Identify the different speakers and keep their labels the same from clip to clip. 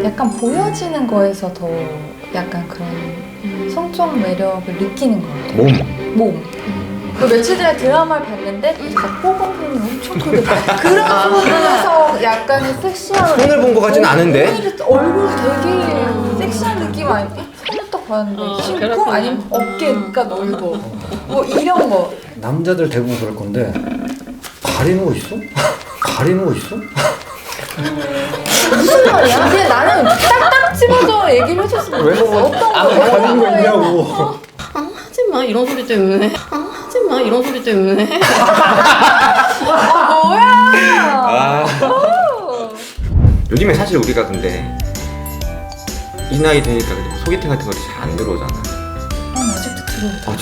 Speaker 1: 약간 보여지는 거에서 더 약간 그런 성적 매력을 느끼는 것 같아요. 몸. 그 며칠 전에 드라마를 봤는데 뽀봉팬이 엄청 크게 그런 부분에서 약간의 섹시한
Speaker 2: 손을 본 것 같지는 않은데?
Speaker 1: 얼굴 되게 섹시한 느낌 아니야? 손을 딱 봤는데 심쿵 아니면 어깨가 넓어 뭐 이런 거.
Speaker 3: 남자들 대부분 그럴 건데 가리는 거 있어? 가리는 거 있어?
Speaker 1: 무슨 말이야? 근데 나는 딱딱 집어서 얘기를 해줬으면 좋겠어. 어떤 거
Speaker 3: 가리는 거 있냐고.
Speaker 4: 하지마 이런 소리 때문에. 하지마 이런 소리 때문에.
Speaker 1: 뭐야?
Speaker 2: 요즘에 사실 우리가 근데 이 나이 되니까 뭐 소개팅 같은 것도 잘 안 들어오잖아.
Speaker 1: 난 아직도 들어오죠.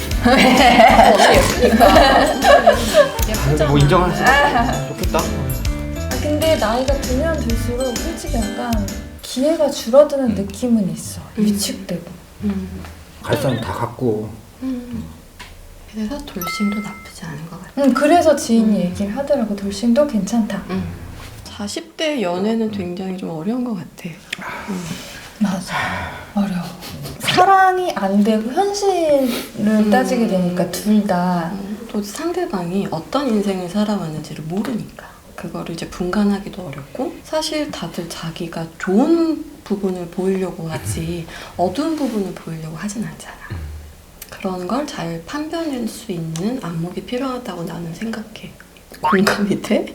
Speaker 2: 진짜? 뭐 인정할 수 있어. 좋겠다.
Speaker 1: 근데 나이가 들면 들수록 솔직히 약간 기회가 줄어드는 느낌은 있어. 위축되고.
Speaker 3: 갈 사람 다 갖고.
Speaker 4: 그래서 돌싱도 나쁘지 않은 것 같아.
Speaker 1: 그래서 지인이 얘기를 하더라고. 돌싱도 괜찮다.
Speaker 4: 40대 연애는 굉장히 좀 어려운 것 같아.
Speaker 1: 맞아. 어려워. 사랑이 안 되고 현실을 따지게 되니까 둘 다.
Speaker 4: 또 상대방이 어떤 인생을 살아왔는지를 모르니까 그거를 이제 분간하기도 어렵고, 사실 다들 자기가 좋은 부분을 보이려고 하지 어두운 부분을 보이려고 하진 않잖아. 그런 걸 잘 판별할 수 있는 안목이 필요하다고 나는 생각해. 공감이 돼?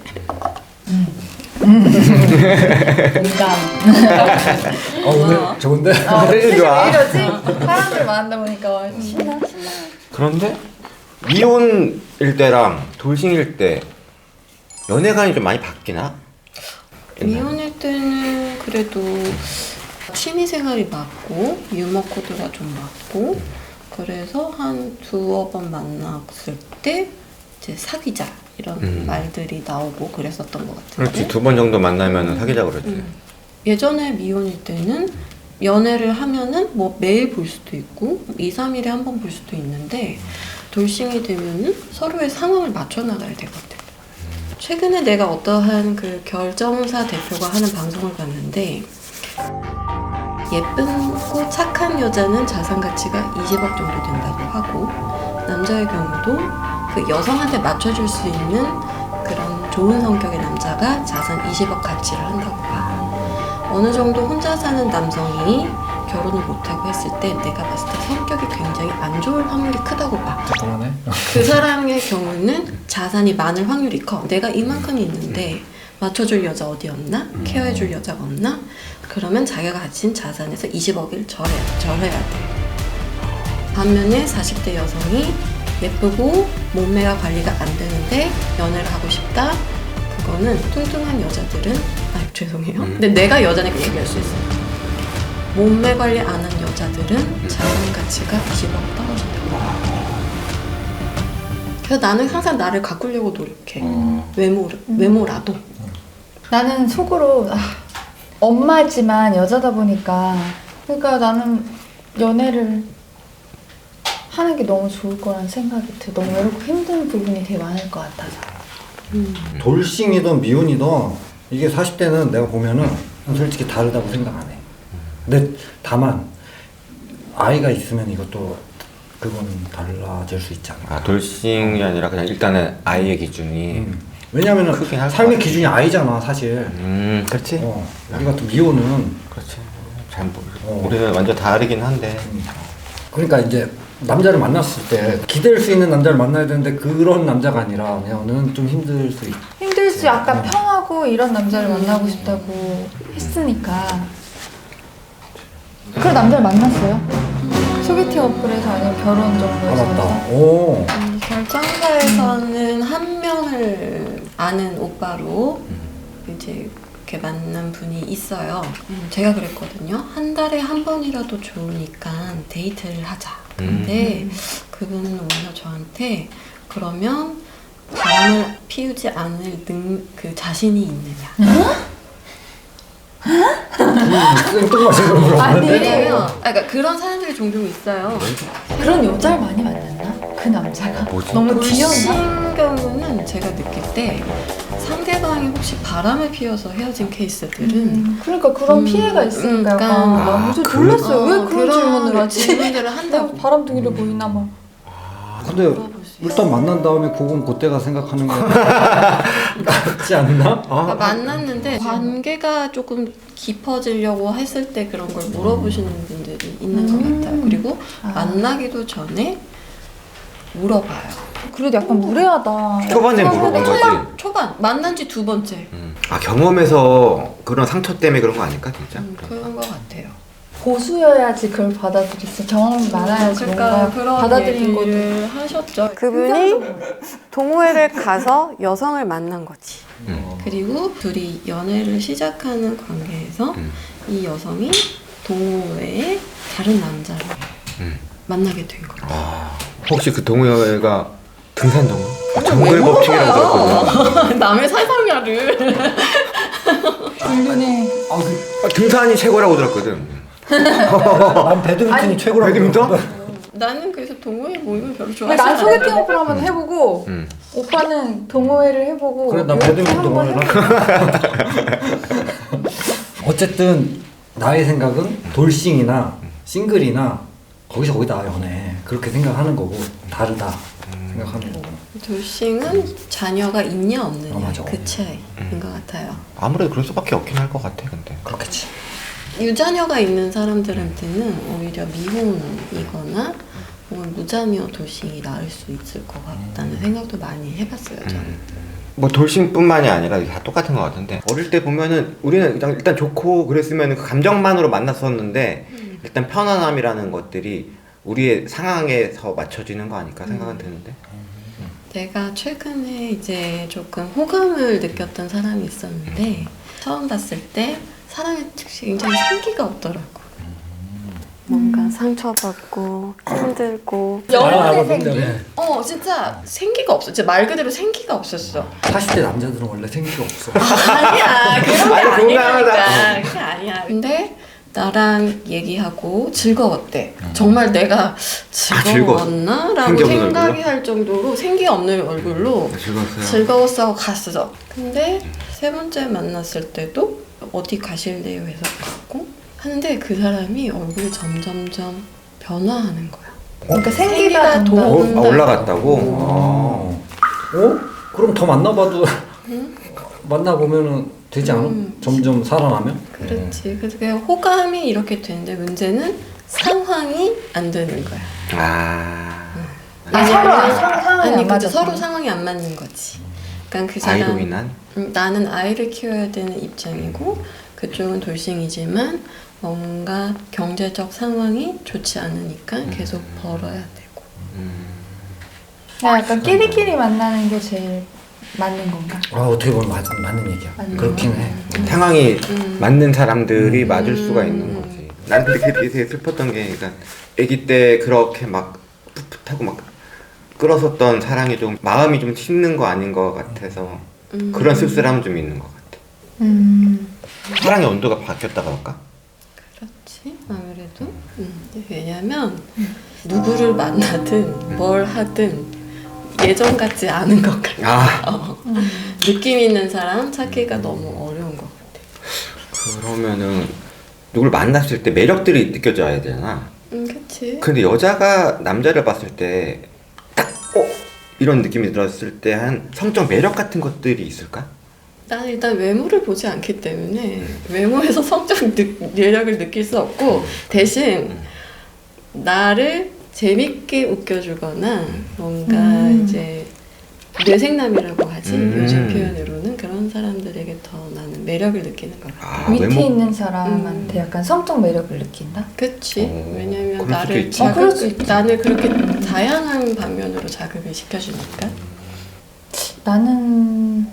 Speaker 1: 공감.
Speaker 3: 오늘 좋은데?
Speaker 2: 되게 좋아.
Speaker 1: 왜 이러지? 사람들 만나다 보니까 신나.
Speaker 2: 그런데 미혼일 때랑 돌싱일 때 연애관이 좀 많이 바뀌나?
Speaker 4: 미혼일 때는 그래도 취미생활이 맞고 유머 코드가 좀 맞고, 그래서 한 두어 번 만났을 때 이제 사귀자 이런 말들이 나오고 그랬었던 것 같은데.
Speaker 2: 그렇지, 두 번 정도 만나면 사귀자 그랬지.
Speaker 4: 예전에 미혼일 때는 연애를 하면은 뭐 매일 볼 수도 있고 2, 3일에 한 번 볼 수도 있는데, 돌싱이 되면은 서로의 상황을 맞춰 나가야 되거든. 최근에 내가 어떠한 그 결정사 대표가 하는 방송을 봤는데, 예쁘고 착한 여자는 자산 가치가 20억 정도 된다고 하고, 남자의 경우도 그 여성한테 맞춰줄 수 있는 그런 좋은 성격의 남자가 자산 20억 가치를 한다고 봐. 어느 정도 혼자 사는 남성이 결혼을 못하고 했을 때 내가 봤을 때 성격이 굉장히 안 좋을 확률이 크다고 봐.
Speaker 3: 그러네.
Speaker 4: 그 사람의 경우는 자산이 많을 확률이 커. 내가 이만큼 있는데 맞춰줄 여자 어디 없나? 케어해줄 여자가 없나? 그러면 자기가 가진 자산에서 20억을 절해야 돼. 반면에 40대 여성이 예쁘고 몸매가 관리가 안 되는데 연애를 하고 싶다? 그거는 뚱뚱한 여자들은, 죄송해요. 근데 내가 여자니까 얘기할 수 있어요. 몸매 관리 안 한 여자들은 자산 가치가 20억 떨어진다고. 그래서 나는 항상 나를 가꾸려고 노력해. 외모라도.
Speaker 1: 나는 속으로 엄마지만 여자다 보니까, 그러니까 나는 연애를 하는 게 너무 좋을 거라는 생각이 들어. 너무 외롭고 힘든 부분이 되게 많을 것 같아서.
Speaker 3: 돌싱이든 미혼이든 이게 40대는 내가 보면은 솔직히 다르다고 생각 안 해. 근데 다만 아이가 있으면 이것도 그건 달라질 수 있잖아.
Speaker 2: 아, 돌싱이 아니라 그냥 일단은 아이의 기준이.
Speaker 3: 왜냐면은
Speaker 2: 크긴 할것
Speaker 3: 삶의
Speaker 2: 같아.
Speaker 3: 기준이 아이잖아 사실.
Speaker 2: 그렇지.
Speaker 3: 우리 같은 미혼은
Speaker 2: 그렇지. 잘 모르. 우리는 완전 다르긴 한데.
Speaker 3: 그러니까 이제 남자를 만났을 때 기댈 수 있는 남자를 만나야 되는데 그런 남자가 아니라 그냥은 좀 힘들 수 있.
Speaker 1: 힘들지. 약간 편하고 이런 남자를 만나고 싶다고 했으니까. 그런 남자를 만났어요? 소개팅 어플에서 아니면 결혼 정도에서?
Speaker 3: 맞다. 오.
Speaker 4: 결정사에서는 한 명을 아는 오빠로 이제 이렇게 만난 분이 있어요. 제가 그랬거든요. 한 달에 한 번이라도 좋으니까 데이트를 하자. 근데 그분은 오히려 저한테, 그러면 바람을 피우지 않을 그 자신이 있느냐.
Speaker 3: 생뚱맞은 걸 물어봤는데.
Speaker 4: 왜냐면 그러니까 그런 사람들이 종종 있어요.
Speaker 1: 그런 여자를 많이 만났나? 그 남자가
Speaker 2: 뭐지?
Speaker 1: 너무 귀여웠나?
Speaker 4: 돌싱 경우는 제가 느낄 때 상대방이 혹시 바람을 피워서 헤어진 케이스들은
Speaker 1: 그러니까 그런 피해가 있으니까 약간
Speaker 4: 그러니까.
Speaker 1: 나 좀 놀랐어요. 왜 그런 질문을 하지?
Speaker 4: 질문들을
Speaker 1: 내가
Speaker 4: 한다고.
Speaker 1: 바람둥이를 보이나 막.
Speaker 3: 근데 일단 만난 다음에 그건 그때가 생각하는 게 낫지 않나?
Speaker 4: 그러니까 만났는데 관계가 조금 깊어지려고 했을 때 그런 걸 물어보시는 분들이 있는 것 같아요. 그리고 만나기도 전에 물어봐요.
Speaker 1: 그래도 약간 무례하다.
Speaker 2: 초반에 물어본 거지.
Speaker 4: 초반 만난 지 2번째.
Speaker 2: 아 경험에서 그런 상처 때문에 그런 거 아닐까 진짜?
Speaker 4: 그런 것 같아요.
Speaker 1: 고수여야지 그걸 받아들였어. 경험이 많아야지
Speaker 4: 그러니까
Speaker 1: 뭔가
Speaker 4: 그런
Speaker 1: 받아들인 것도.
Speaker 4: 얘기를 하셨죠. 그분이 동호회를 가서 여성을 만난 거지. 그리고 둘이 연애를 시작하는 관계에서 이 여성이 동호회에 다른 남자를 만나게 된 거예요.
Speaker 2: 아, 혹시 그 동호회가 등산 동호? 정글 법칙이라고 들었거든요.
Speaker 4: 남의 사상야를.
Speaker 1: 불륜해.
Speaker 2: 등산이 최고라고 들었거든.
Speaker 3: 난 배드민턴이 최고라고.
Speaker 2: 배드민턴?
Speaker 3: 들었거든.
Speaker 4: 나는 그래서 동호회 모임을 별로 좋아하지
Speaker 1: 난
Speaker 4: 않아.
Speaker 1: 소개팅 오프를 한번 해보고 오빠는 동호회를 해보고
Speaker 3: 그래 나
Speaker 1: 이렇게
Speaker 3: 배드민턴
Speaker 1: 한번
Speaker 3: 동호회를 어쨌든 나의 생각은 돌싱이나 싱글이나 거기다 연애 그렇게 생각하는 거고 다르다 생각하는 거고.
Speaker 4: 돌싱은 자녀가 있냐 없느냐
Speaker 3: 맞아.
Speaker 4: 그 차이인 것 같아요.
Speaker 2: 아무래도 그럴 수밖에 없긴 할 것 같아 근데.
Speaker 3: 그렇겠지.
Speaker 4: 유자녀가 있는 사람들한테는 오히려 미혼이거나 혹은 무자녀 돌싱이 나을 수 있을 것 같다는 생각도 많이 해봤어요 저는.
Speaker 2: 뭐 돌싱뿐만이 아니라 다 똑같은 것 같은데 어릴 때 보면은 우리는 일단 좋고 그랬으면 그 감정만으로 만났었는데 일단 편안함이라는 것들이 우리의 상황에서 맞춰지는 거 아닐까 생각은 드는데.
Speaker 4: 내가 최근에 이제 조금 호감을 느꼈던 사람이 있었는데 처음 봤을 때 사람이 굉장히 생기가 없더라고. 뭔가 상처받고 힘들고
Speaker 1: 연애 생기?
Speaker 4: 진짜 생기가 없어. 진짜 말 그대로 생기가 없었어.
Speaker 3: 40대 남자들은 원래 생기가 없어.
Speaker 4: 아니야 그런 게
Speaker 2: 아니,
Speaker 4: 아니니까
Speaker 2: 건강하다.
Speaker 4: 그게 아니야. 근데 나랑 얘기하고 즐거웠대. 정말 내가 즐거웠나? 라고
Speaker 2: 생기 없는
Speaker 4: 생각이
Speaker 2: 얼굴로?
Speaker 4: 할 정도로 생기 없는 얼굴로
Speaker 2: 즐거웠어요.
Speaker 4: 즐거웠어 하고 갔어. 근데 세 번째 만났을 때도 어디 가실래요 해서 갔고 하는데 그 사람이 얼굴이 점점점 변화하는 거야.
Speaker 1: 그러니까 생기가
Speaker 4: 더
Speaker 1: 돈다.
Speaker 2: 올라갔다고?
Speaker 3: 그럼 더 만나봐도 만나보면은 되지 않아? 점점 살아나면?
Speaker 4: 그렇지. 그래서 그냥 호감이 이렇게 되는데 문제는 상황이 안 되는 거야.
Speaker 1: 서로 상황이 안
Speaker 4: 아니
Speaker 1: 맞아.
Speaker 4: 서로 상황이 안 맞는 거지. 그러니까 그 사람
Speaker 2: 아이로 인한?
Speaker 4: 나는 아이를 키워야 되는 입장이고 그쪽은 돌싱이지만 뭔가 경제적 상황이 좋지 않으니까 계속 벌어야 되고.
Speaker 1: 그냥 약간 끼리끼리 만나는 게 제일 맞는 건가?
Speaker 3: 어떻게 보면 맞는 얘기야. 그렇긴 해.
Speaker 2: 상황이 맞는 사람들이 맞을 수가 있는 거지. 난 근데 그게 되게 슬펐던 게 그러니까 아기 때 그렇게 막 풋풋하고 막 끌었었던 사랑이 좀 마음이 좀 식는 거 아닌 것 같아서 그런 씁쓸함은 좀 있는 것 같아. 사랑의 온도가 바뀌었다 그럴까?
Speaker 4: 그렇지 아무래도 왜냐면 누구를 만나든 뭘 하든 예전 같지 않은 것 같아. 느낌 있는 사람 찾기가 너무 어려운 것 같아.
Speaker 2: 그러면은 누굴 만났을 때 매력들이 느껴져야 되잖아.
Speaker 4: 그치.
Speaker 2: 근데 여자가 남자를 봤을 때 딱 이런 느낌이 들었을 때 한 성적 매력 같은 것들이 있을까?
Speaker 4: 나는 일단 외모를 보지 않기 때문에 외모에서 성적 매력을 느낄 수 없고 대신 나를 재밌게 웃겨주거나 뭔가 이제 뇌생남이라고 하지 요즘 표현으로는 그런 사람들에게 더 나는 매력을 느끼는 것 같아.
Speaker 1: 밑에
Speaker 2: 외모?
Speaker 1: 있는 사람한테 약간 성적 매력을 느낀다?
Speaker 4: 그치. 왜냐면
Speaker 2: 그럴 수도 있지.
Speaker 1: 그럴 수 있지.
Speaker 4: 나를 그렇게 다양한 방면으로 자극을 시켜주니까.
Speaker 1: 나는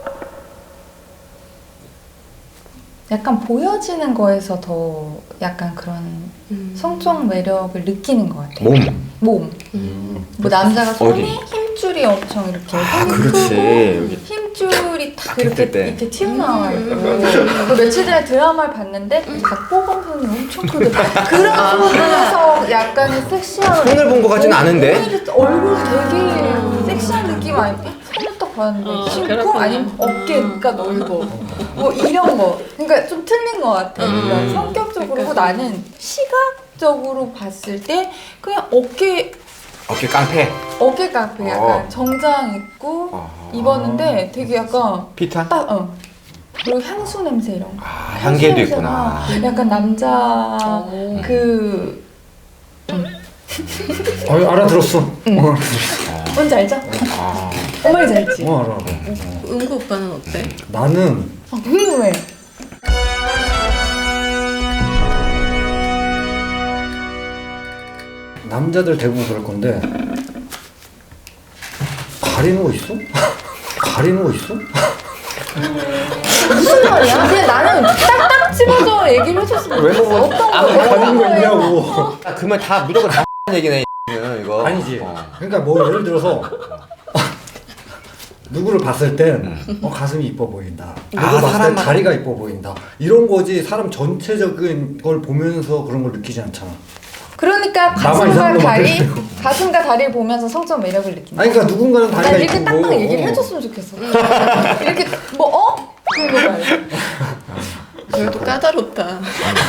Speaker 1: 약간 보여지는 거에서 더 약간 그런 성적 매력을 느끼는 것 같아.
Speaker 2: 몸.
Speaker 1: 뭐 남자가
Speaker 2: 어디?
Speaker 1: 손이 힘줄이 엄청 이렇게
Speaker 2: 그렇지.
Speaker 1: 힘 핏줄이 딱
Speaker 2: 딱 했을 때.
Speaker 1: 이렇게 튀어나와 있고 그 며칠 전에 드라마를 봤는데 박보검 선이 엄청 크게 그런 부분에서 약간의 섹시한
Speaker 2: 손을 본 것 같진 않은데?
Speaker 1: 얼굴 되게 섹시한 느낌 아니고 손을 딱 봤는데 심쿵
Speaker 4: 그렇구나.
Speaker 1: 아니면 어깨가 넓어 뭐 이런 거 그러니까 좀 틀린 것 같아 그러니까 성격적으로 그리고 나는 시각적으로 봤을 때 그냥 어깨
Speaker 2: 깡패.
Speaker 1: 깡패 약간 정장 입고 입었는데 되게 약간
Speaker 2: 피타?
Speaker 1: 딱 그리고 향수 냄새 이런 거
Speaker 2: 향기도
Speaker 1: 냄새가
Speaker 2: 있구나.
Speaker 1: 약간 남자
Speaker 4: 오.
Speaker 1: 그
Speaker 3: 알아들었어.
Speaker 1: 뭔지 알죠? 엄마이 알지?
Speaker 3: 알아.
Speaker 4: 은구 오빠는 어때?
Speaker 3: 나는
Speaker 1: 궁금해
Speaker 3: 남자들 대부분 그럴 건데 가리는 거 있어? 가리는 거 있어?
Speaker 1: 무슨 말이야? 근데 나는 딱딱 집어서 얘기를 해줬으면
Speaker 2: 왜?
Speaker 1: 좋겠어 어떤 거
Speaker 3: 가리는 거
Speaker 1: 거예요?
Speaker 3: 있냐고.
Speaker 2: 그러면 다 무조건 다 얘기네 이거.
Speaker 3: 아니지. 그러니까 뭐 예를 들어서 누구를 봤을 땐 가슴이 이뻐 보인다. 누구 봤을 땐 다리가 이뻐 보인다. 이런 거지 사람 전체적인 걸 보면서 그런 걸 느끼지 않잖아.
Speaker 1: 그러니까
Speaker 3: 나만 이상한
Speaker 1: 가슴과 다리를 보면서 성적 매력을 느낀다
Speaker 3: 아니 그러니까 누군가는 다리가
Speaker 1: 난 이렇게
Speaker 3: 이쁘고
Speaker 1: 딱딱 얘기를 해줬으면 좋겠어 이렇게 뭐 그런 거 말이야
Speaker 4: 그래도 까다롭다.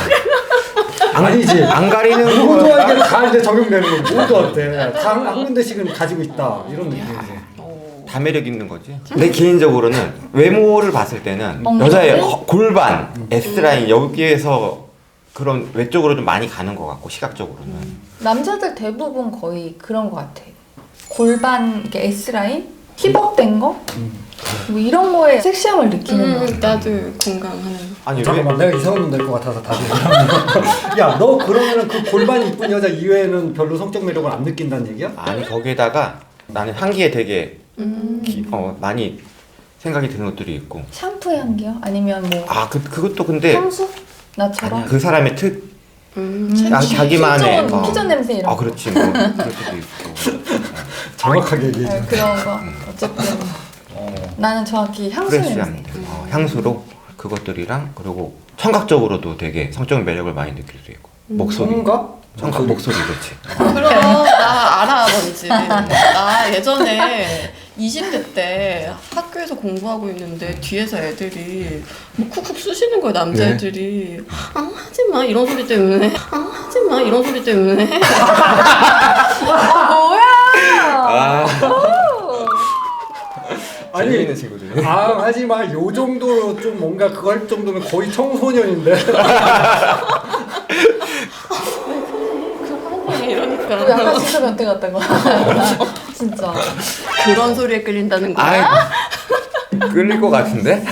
Speaker 3: 아니지.
Speaker 2: 안 가리는
Speaker 3: 모두에게 다 이제 적용되는 거 모두한테 다 한 군데씩은 가지고 있다 이런 느낌이지.
Speaker 2: 다 매력 있는 거지. 내 개인적으로는 외모를 봤을 때는 여자의 골반, S라인 여기에서 그런 외적으로 좀 많이 가는 것 같고 시각적으로는
Speaker 1: 남자들 대부분 거의 그런 것 같아. 골반 이렇게 S 라인, 힙업된 거, 뭐 이런 거에 섹시함을 느끼는 거.
Speaker 4: 나도 공감하는.
Speaker 2: 아니
Speaker 3: 잠깐만 내가 이상하면 될 것 같아서 다시. 야 너 그러면은 그 골반이 이쁜 여자 이외에는 별로 성적 매력을 안 느낀다는 얘기야?
Speaker 2: 아니 거기에다가 나는 향기에 되게 많이 생각이 드는 것들이 있고.
Speaker 1: 샴푸 향기요? 아니면 뭐
Speaker 2: 그것도 근데
Speaker 1: 향수? 나처럼?
Speaker 2: 아니야, 그 사람의 특 자기만의
Speaker 1: 피전 냄새 이런 거.
Speaker 2: 그렇지 뭐 그럴 수도 있고.
Speaker 3: 정확하게 얘기해.
Speaker 1: 그런 거. 어쨌든 나는 정확히 향수
Speaker 2: 프레시한
Speaker 1: 냄새.
Speaker 2: 향수로 그것들이랑 그리고 청각적으로도 되게 성적 매력을 많이 느낄 수 있고 목소리. 청각 목소리 그렇지.
Speaker 4: 그럼 나 알아 뭔지. 나 예전에 20대 때 학교에서 공부하고 있는데 뒤에서 애들이 뭐 쿡쿡 쑤시는 거야 남자애들이. 하지마 이런 소리 때문에. 하지마 이런 소리 때문에.
Speaker 1: 뭐야?
Speaker 3: 아니
Speaker 2: 재밌는 친구들.
Speaker 3: 하지마 요 정도로 좀 뭔가 그거 할 정도면 거의 청소년인데.
Speaker 4: 이러니까.
Speaker 1: 약간 진짜 변태 같다고. 진짜.
Speaker 4: 그런 소리에 끌린다는 거야?
Speaker 2: 끌릴 것 같은데?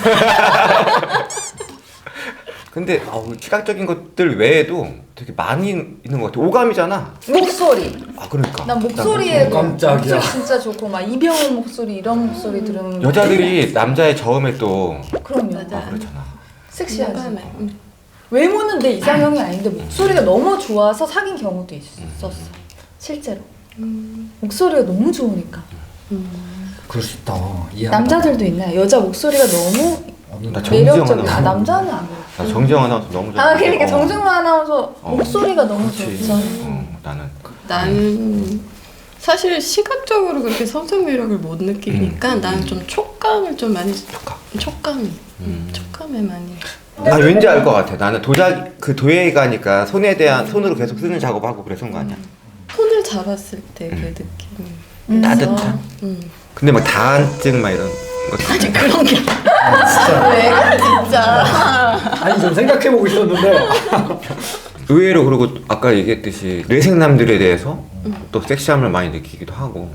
Speaker 2: 근데 시각적인 것들 외에도 되게 많이 있는 것 같아. 오감이잖아.
Speaker 1: 목소리.
Speaker 2: 그러니까.
Speaker 1: 난 목소리에
Speaker 3: 깜짝이야.
Speaker 1: 목소리 진짜 좋고 막 이병헌 목소리 이런 목소리 들으면
Speaker 2: 여자들이 남자의 저음에 또
Speaker 1: 그럼요.
Speaker 4: 맞아.
Speaker 2: 그렇잖아.
Speaker 1: 섹시하지.
Speaker 4: 공감해.
Speaker 1: 외모는 내 이상형이 아닌데 목소리가 너무 좋아서 사귄 경우도 있었어. 실제로. 목소리가 너무 좋으니까.
Speaker 3: 그럴 수 있다. 이해한다.
Speaker 1: 남자들도 있나요? 여자 목소리가 너무
Speaker 2: 나 정지영
Speaker 1: 매력적이야.
Speaker 2: 아나운서.
Speaker 1: 남자는 안
Speaker 2: 나 정지영 아나운서 너무 좋아.
Speaker 1: 그러니까 정중만 아나운서 목소리가 너무
Speaker 2: 그렇지.
Speaker 1: 좋죠.
Speaker 2: 나는
Speaker 4: 나는 사실 시각적으로 그렇게 성적 매력을 못 느끼니까 나는 좀 촉감을 좀 많이 촉감에 많이.
Speaker 2: 왠지 알 것 같아. 나는 도예가 가니까 손으로 계속 쓰는 작업하고 그래서 거 아니야.
Speaker 4: 손을 잡았을 때 그 느낌.
Speaker 2: 따뜻한. 근데 막 다한증 막 이런 거.
Speaker 4: 아니 그런 게 왜 그래 진짜.
Speaker 3: 아니 좀 생각해보고 있었는데
Speaker 2: 의외로 그리고 아까 얘기했듯이 뇌생남들에 대해서 또 섹시함을 많이 느끼기도 하고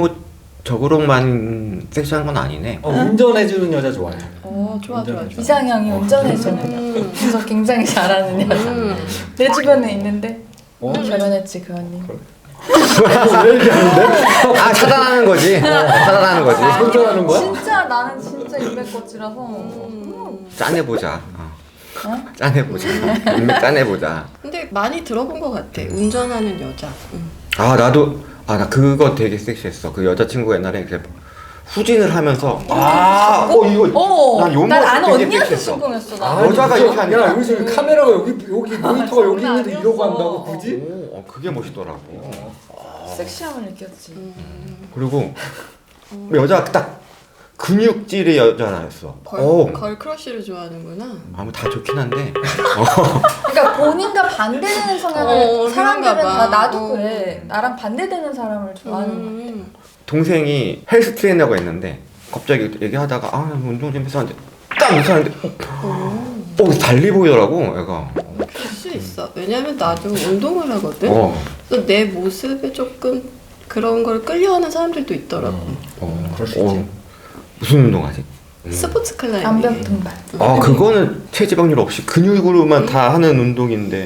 Speaker 2: 외모적으로만 섹시한 건 아니네.
Speaker 3: 운전해주는 여자 좋아해.
Speaker 4: 좋아.
Speaker 1: 이상형이 운전해주는 그래서 굉장히 잘하는 여자. 내 주변에 있는데 결혼했지 그 언니.
Speaker 3: 왜 얘기하는데?
Speaker 2: 차단하는 거지. 차단하는 거지.
Speaker 3: 운전하는 거야?
Speaker 1: 진짜 나는 진짜 인맥꽃이라서
Speaker 2: 짠해보자. 짠해보자. 인맥 짠해보자.
Speaker 4: 근데 많이 들어본 것 같아. 운전하는 여자.
Speaker 2: 나도 나 그거 되게 섹시했어. 그 여자친구가 옛날에 이렇게 후진을 하면서 이거
Speaker 1: 난 아는 언니한테 신공했어. 나.
Speaker 2: 여자가 이렇게 하니까.
Speaker 3: 야 요즘 카메라가 여기 모니터가 여기 있는데 이러고 한다고 굳이?
Speaker 2: 그게 멋있더라고.
Speaker 1: 섹시함을 느꼈지.
Speaker 2: 그리고 여자가 딱 근육질의 여자였어.
Speaker 4: 걸 크러쉬를 좋아하는구나.
Speaker 2: 다 좋긴 한데.
Speaker 1: 그러니까 본인과 반대되는 성향을 사람들은
Speaker 4: 그런가 봐.
Speaker 1: 다 나도 그래. 나랑 반대되는 사람을 좋아하는 것 같아.
Speaker 2: 동생이 헬스 트레이너가 있는데 갑자기 얘기하다가 운동 좀 해서 하는데 딱 이렇게 하는데 달리 보이더라고 애가.
Speaker 4: 그럴 수 있어. 왜냐면 나도 운동을 하거든. 그래서 내 모습에 조금 그런 걸 끌려하는 사람들도 있더라고.
Speaker 3: 그럴 수 있지.
Speaker 2: 무슨 운동하지?
Speaker 4: 스포츠 클라이밍.
Speaker 1: 암벽 등반.
Speaker 2: 그거는 체지방률 없이 근육으로만 다 하는 운동인데.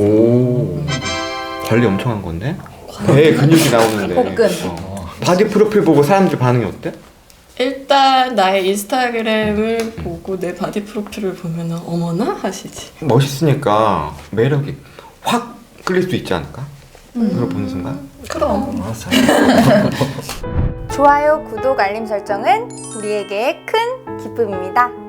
Speaker 2: 관리 엄청 한 건데? 배에 근육이 나오는데.
Speaker 1: 복근.
Speaker 2: 바디 프로필 보고 사람들 반응이 어때?
Speaker 4: 일단 나의 인스타그램을 보고 내 바디 프로필을 보면 어머나 하시지.
Speaker 2: 멋있으니까 매력이 확 끌릴 수 있지 않을까? 그걸 보는 순간?
Speaker 4: 그럼.
Speaker 3: 알았어.
Speaker 1: 좋아요, 구독, 알림 설정은 우리에게 큰 기쁨입니다.